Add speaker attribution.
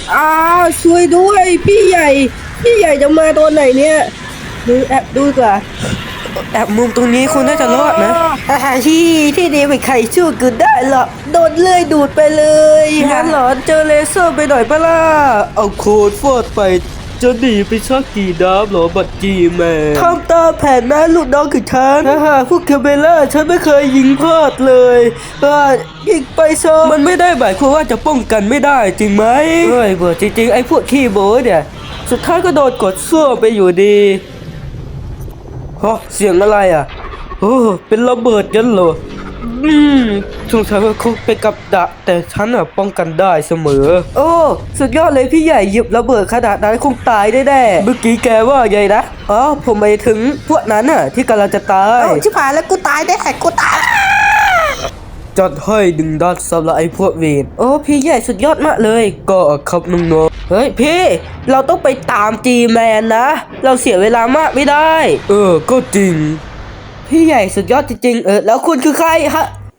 Speaker 1: อ้าวช่วยด้วยพี่ใหญ่จะมาตัวไหนเนี่ยดูแอบดูก่อนแอบมุมตรงนี้คุณน่าจะรอดนะที่นี่ไม่ใครช่วยกูได้หรอกโดนเลื่อยดูดไปเลยงั้นเหรอเจอเลเซอร์ไปหน่อยปะล่ะ
Speaker 2: เอาโค้ดฟอดไปจะหนีไปชักกี่ดาบเหรอบัดจีแมน
Speaker 1: ทำตามแผนนะลูกน้องของฉันพวกเคเบล่าฉันไม่เคยยิงพลาดเลยยิงไปซะ
Speaker 2: มันไม่ได้หมายความว่าจะป้องกันไม่ได้จริงไหม
Speaker 1: เฮ้ยเบื่อจริงๆไอ้พวกขี้โม้เนี่ยสุดท้ายก็โดนกดซ่วมไปอยู่ดี
Speaker 2: ฮะเสียงอะไรอ่ะโอ้เป็นระเบิดยันเหรอสงสัยว่าเขาเป็นกับดักแต่ฉันอ่ะป้องกันได้เสมอ
Speaker 1: โอ้สุดยอดเลยพี่ใหญ่หยิบระเบิดขนาดนั้นคงตายได้แน่
Speaker 2: เมื่อกี้แกว่าไงนะ
Speaker 1: อ๋อผมไปถึงพวกนั้นน่ะที่กำลังจะตาย
Speaker 3: ชิบหายแล้วกูตายแน่กูตาย
Speaker 2: จัดให้ดึงดัดสำหรับไอ้พวกเวร
Speaker 1: โอ้พี่ใหญ่สุดยอดมากเลย
Speaker 2: ก็ครับน้อง
Speaker 1: เฮ้ยพี่เราต้องไปตามจีแมนนะ เราเสียเวลามากไม่ได้
Speaker 2: ๆก็จริง
Speaker 1: พี่ใหญ่สุดยอดจริงๆแล้วคุณคือใครฮะ